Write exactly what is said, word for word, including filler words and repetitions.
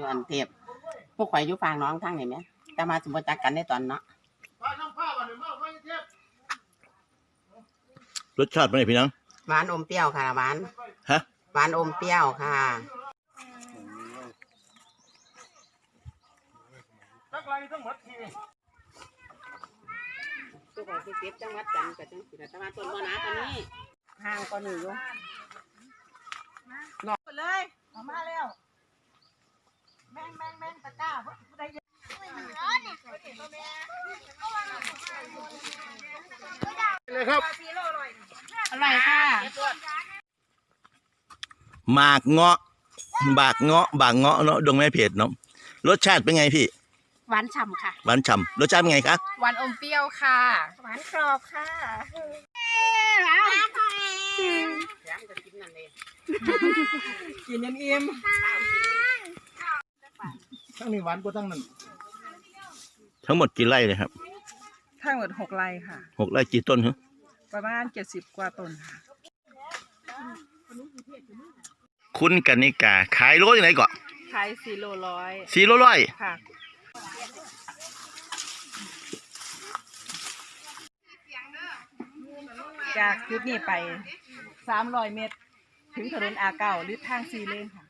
อยู่อันเทพพวกข่อยอยู่ฟางน้องทางไหนไหมแต่มาสมบูรณ์จักกันในตอนเนาะรสชาติเป็นไงพี่น้องหวานอมเปรี้ยวค่ะหวานฮะหวานอมเปรี้ยวค่ะจักไรทั้งหมดทีตัวข่อยเก็บจังหวัดจันทร์กับจังสิแต่ว่าต้นมะนาวตอนนี้ห่างก็หนึ่งอยู่หลอกเลยออกมาแล้วแม่งแม่งแม่งตะก้าผู้ใดเลยครับอร่อยค่ะหมากเงาะบากเงาะบากเงาะเนาะดงแม่เพจเนาะรสชาติเป็นไงพี่หวานฉ่ำค่ะหวานฉ่ำรสชาติเป็นไงครับหวานอมเปรี้ยวค่ะหวานกรอบค่ะกินยันอิ่มทั้งนี้หวานกว่าทั้งนั้นทั้งหมดกี่ไร่เลยครับทั้งหมดหกไร่ค่ะหกไร่กี่ต้นฮะประมาณเจ็ดสิบกว่าต้นค่ะคุณกนิกาขายโลยังไงก่อนขายสี่โลร้อยสี่โลร้อยค่ะจากจุดนี้ไปสามร้อยเมตรถึงถนนอาเก้าหรือทางซีเลนค่ะ